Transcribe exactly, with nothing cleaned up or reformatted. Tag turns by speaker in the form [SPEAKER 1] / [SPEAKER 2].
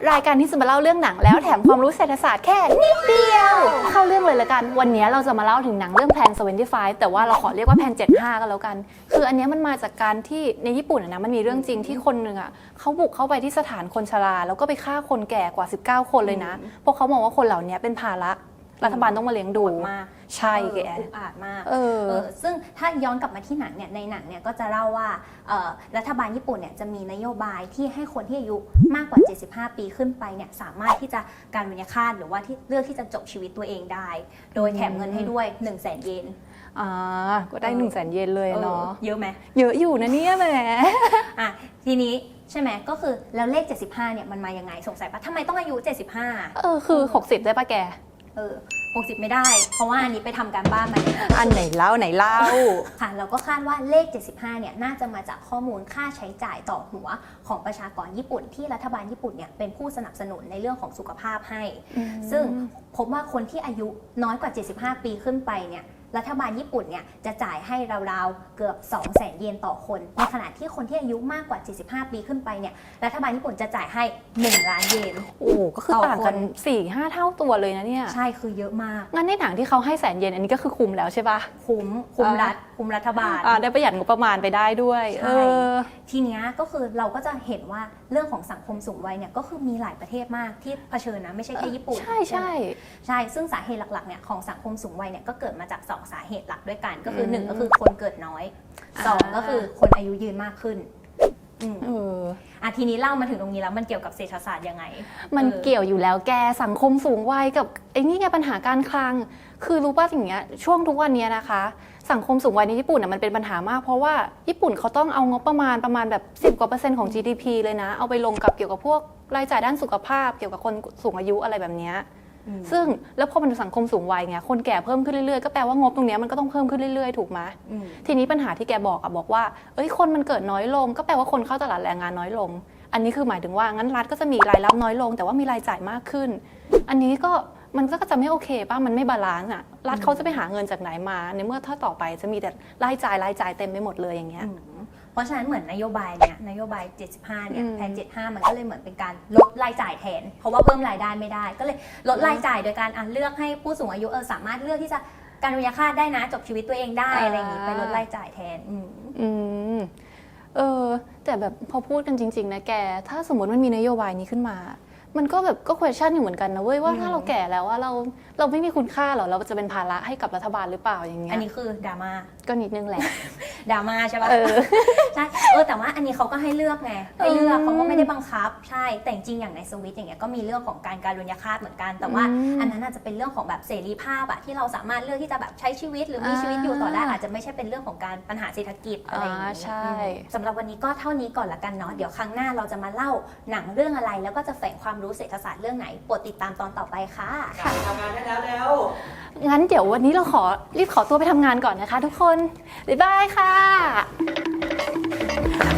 [SPEAKER 1] รายการที่จะมาเล่าเรื่องหนังแล้วแถมความรู้เศรษฐศาสตร์แค่นิดเดียวเข้าเรื่องเลยละกันวันนี้เราจะมาเล่าถึงหนังเรื่องแพลนเซเวนตี้ไฟว์แต่ว่าเราขอเรียกว่าแพลนเจ็ดสิบห้ากันแล้วกันคืออันนี้มันมาจากการที่ในญี่ปุ่นนะมันมีเรื่องจริงที่คนหนึ่งอ่ะเขาบุกเข้าไปที่สถานคนชราแล้วก็ไปฆ่าคนแก่กว่าสิบเก้าคนเลยนะเพราะเขามองว่าคนเหล่านี้เป็นภาระรัฐบาลต้องมาเลี้ยงดู
[SPEAKER 2] มาก
[SPEAKER 1] ใช่แก
[SPEAKER 2] อุกอาจมาก
[SPEAKER 1] เออ
[SPEAKER 2] ซึ่งถ้าย้อนกลับมาที่หนังเนี่ยในหนังเนี่ยก็จะเล่าว่ารัฐบาลญี่ปุ่นเนี่ยจะมีนโยบายที่ให้คนที่อายุมากกว่าเจ็ดสิบห้าปีขึ้นไปเนี่ยสามารถที่จะการวิญญาฆาตหรือว่าที่เลือกที่จะจบชีวิตตัวเองได้โดยแถมเงินให้ด้วย หนึ่งแสน เยน
[SPEAKER 1] อ่าก็ได้หนึ่งแสนเยนเลยเนาะ
[SPEAKER 2] เยอะไหม
[SPEAKER 1] เยอะอยู่นะเนี่ยแหม
[SPEAKER 2] อ่ะทีนี้ใช่ไหมก็คือแล้วเลขเจ็ดสิบห้าเนี่ยมันมายังไงสงสัยปะทำไมต้องอายุเจ็ดสิบห้า
[SPEAKER 1] เออคือหกสิบได้ปะแก
[SPEAKER 2] เออหกสิบไม่ได้เพราะว่าอันนี้ไปทำการบ้านมาเนี่ย
[SPEAKER 1] อันไหนเล่าไหนเล่า
[SPEAKER 2] ค่ะเราก็คาดว่าเลขเจ็ดสิบห้าเนี่ยน่าจะมาจากข้อมูลค่าใช้จ่ายต่อหัวของประชากรญี่ปุ่นที่รัฐบาลญี่ปุ่นเนี่ยเป็นผู้สนับสนุนในเรื่องของสุขภาพให้ซึ่งพบว่าคนที่อายุน้อยกว่าเจ็ดสิบห้าปีขึ้นไปเนี่ยรัฐบาลญี่ปุ่นเนี่ยจะจ่ายให้ราวๆเกือบ สองแสน เยนต่อคนในขณะที่คนที่อายุมากกว่าเจ็ดสิบห้าปีขึ้นไปเนี่ยรัฐบาลญี่ปุ่นจะจ่ายให้หนึ่งล้านเยน
[SPEAKER 1] โอ้ก็คือต่างกัน สี่ห้า เท่าตัวเลยนะเนี่ย
[SPEAKER 2] ใช่คือเยอะมาก
[SPEAKER 1] งั้นในหนังที่เขาให้แสนเยนอันนี้ก็คือคุ้มแล้วใช่ปะ
[SPEAKER 2] คุ้มคุ้มรัฐคุ้มรัฐบาล
[SPEAKER 1] ได้ประหยัดงบประมาณไปได้ด้วย
[SPEAKER 2] ใช่ทีเนี้ยก็คือเราก็จะเห็นว่าเรื่องของสังคมสูงวัยเนี่ยก็คือมีหลายประเทศมากที่เผชิญนะไม่ใช่แค่ญี่ปุ่น
[SPEAKER 1] ใช่ใช่
[SPEAKER 2] ใช่ซึ่งสาเหตุหลักๆเนี่ยของสังคมสูงวัยเนี่ยก็เกิดมาจากสองสาเหตุหลักด้วยกันก็คือหนึ่งก็คือคนเกิดน้อยสองก็คือคนอายุยืนมากขึ้น
[SPEAKER 1] เออ
[SPEAKER 2] อ่ะทีนี้เล่ามาถึงตรงนี้แล้วมันเกี่ยวกับเศรษฐศาสตร์ยังไง
[SPEAKER 1] มันเกี่ยวอยู่แล้วแกสังคมสูงวัยกับไอ้นี่ไงปัญหาการคลังคือรู้ป่ะอย่างเงี้ยช่วงทุกวันนี้นะคะสังคมสูงวัยในญี่ปุ่นน่ะมันเป็นปัญหามากเพราะว่าญี่ปุ่นเขาต้องเอางบประมาณประมาณแบบสิบกว่าเปอร์เซ็นต์ของ จี ดี พี เลยนะเอาไปลงกับเกี่ยวกับพวกรายจ่ายด้านสุขภาพเกี่ยวกับคนสูงอายุอะไรแบบนี้ซึ่งแล้วพอมันสังคมสูงวัยไงคนแก่เพิ่มขึ้นเรื่อยๆก็แปลว่างบตรงนี้มันก็ต้องเพิ่มขึ้นเรื่อยๆถูกไหมทีนี้ปัญหาที่แกบอกอะบอกว่าเอ้ยคนมันเกิดน้อยลงก็แปลว่าคนเข้าตลาดแรงงานน้อยลงอันนี้คือหมายถึงว่างั้นรัฐก็จะมีรายรับน้อยลงแต่ว่ามีรายจ่ายมากขึ้นอันนี้ก็มันก็จะไม่โอเคป่ะมันไม่บาลานซ์อะรัฐเขาจะไปหาเงินจากไหนมาในเมื่อถ้าต่อไปจะมีแต่รายจ่ายรายจ่ายเต็มไปหมดเลยอย่างเงี้ย
[SPEAKER 2] เพราะฉะนั้นเหมือนนโยบายเนี้ยนโยบายเจ็ดสิบห้าเนี่ยแผนเจ็ดสิบห้ามันก็เลยเหมือนเป็นการลดรายจ่ายแทนเพราะว่าเพิ่มรายได้ไม่ได้ก็เลยลดรายจ่ายโดยการอ่ะเลือกให้ผู้สูงอายุเออสามารถเลือกที่จะการวิญญาฆาตได้นะจบชีวิตตัวเองได้อะไรอย่างงี้ไปลดรายจ่ายแทนอืม
[SPEAKER 1] อืมเออแต่แบบพอพูดกันจริงๆนะแกถ้าสมมติมันมีนโยบายนี้ขึ้นมามันก็แบบก็ question อยู่เหมือนกันนะเว้ยว่าถ้าเราแก่แล้วว่าเราเราไม่มีคุณค่าหรอเราจะเป็นภาระให้กับรัฐบาลหรือเปล่าอย่างเงี้ย
[SPEAKER 2] อันนี้คือดราม่า
[SPEAKER 1] ก็นิดนึงแหละ
[SPEAKER 2] ดราม่าใช่ป่ะใช่เออแต่ว่าอันนี้เขาก็ให้เลือกไงให้เลือกเขาก็ไม่ได้บังคับใช่แต่จริงอย่างในสวิตอย่างเงี้ยก็มีเรื่องของการการวิญญาฆาตเหมือนกันแต่ว่าอันนั้นอาจจะเป็นเรื่องของแบบเสรีภาพอะที่เราสามารถเลือกที่จะแบบใช้ชีวิตหรือมีชีวิตอยู่ต่อได้อาจจะไม่ใช่เป็นเรื่องของการปัญหาเศรษฐกิจอะไรอย่างเงี้ย
[SPEAKER 1] ใช่
[SPEAKER 2] สำหรับวันนี้ก็เท่านี้ก่อนละกันเนาะเดี๋ยวครั้งหน้าเราจะมาเล่าหนังเรื่องอะไรแล้วก็จะแฝงความรู้เศรษฐศาสตร์เรื่องไหนโปรดติดตามตอนต่อไปค่ะ
[SPEAKER 3] ค่ะทำงานได้แล้วแล้ว
[SPEAKER 1] งั้นเดี๋ยววันนี้เราขอรีบขอตัวไปทำงานก่อนนะคะทุกคนบ๊ายบายค่ะ